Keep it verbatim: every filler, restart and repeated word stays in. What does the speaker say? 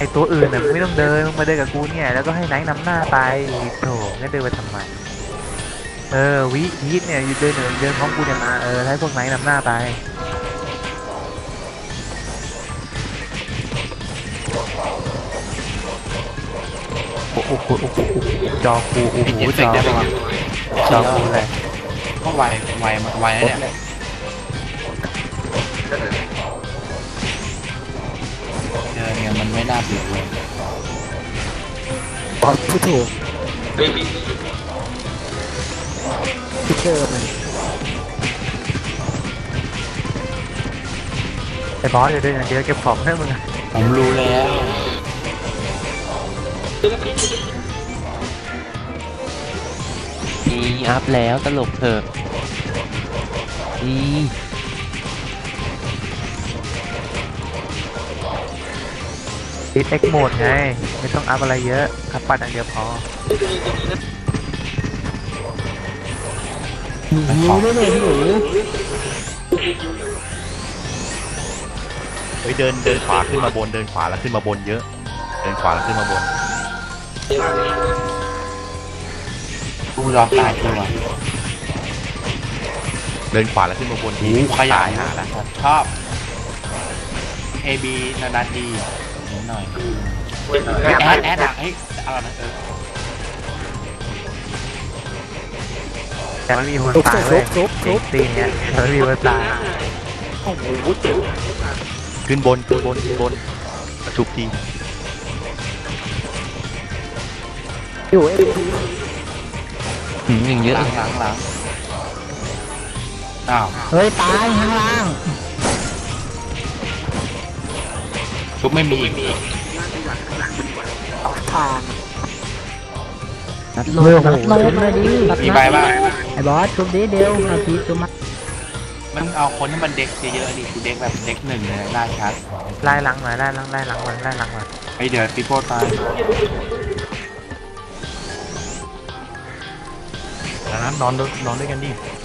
ตัวอื่นน่ะไม่ต้องเดินมึงมาเดินกับกูเนี่ยแล้วก็ให้ไนท์นำหน้าไปโถงั้นเดินไปทำไมเออวิพีทเนี่ยอยู่เดินเดินเดินพร้อมกูเนี่ยมาเออให้พวกไนท์นำหน้าไปโอ้โหโอ้โหจอกูโอ้โหจอจอกูเลยก็ไวไวไวแล้วเนี่ยเจอเนี่ยมันไม่น่าเบื่อเลยบอสผู้ถูกพิเตอร์มันไอ้บอสเดี๋ยวเดินอย่างเดียวเก็บของให้มึงผมรู้แล้วนี่อัพแล้วตลกเถอะนี่ติดเอ็กโหมดไงไม่ต้องอัพอะไรเยอะอัพปัดอย่างเดียวพอหิวด้วยเลยหิวเฮ้ยเดินเดินขวาขึ้นมาบนเดินขวาแล้วขึ้นมาบนเยอะเดินขวาแล้วขึ้นมาบนกูรอตายตัวเดินขวาแล้วขึ้นมาบนทีขยายหาแล้วชอบ เอ บี นานๆทีนิดหน่อยแอดแอดอ่ะเฮ้ยเอาละเออแต่ไม่มีคนตายเลยตีเนี้ยไม่มีคนตายขึ้นบนขึ้นบนขึ้นบนชุบทีอยู่เอฟหืมอย่างเยอะหลังหลังหลังอ้าวเฮ้ยตายข้างล่างชุบไม่มีอีกทางนัดโลเร็วนัดโลชุบเลยดิมีใบบ้างไอ้บอสชุบดิเดียวนาทีชุบมามันเอาคนที่มันเด็กเยอะๆดิกูเด็กแบบเด็กหนึ่งเลยล่าชัดไล่หลังหน่อยไล่หลังไล่หลังมันไล่หลังมันไอเดี๋ยวปีโป้ตายดังนั้นนอนนอนด้วยกันดิ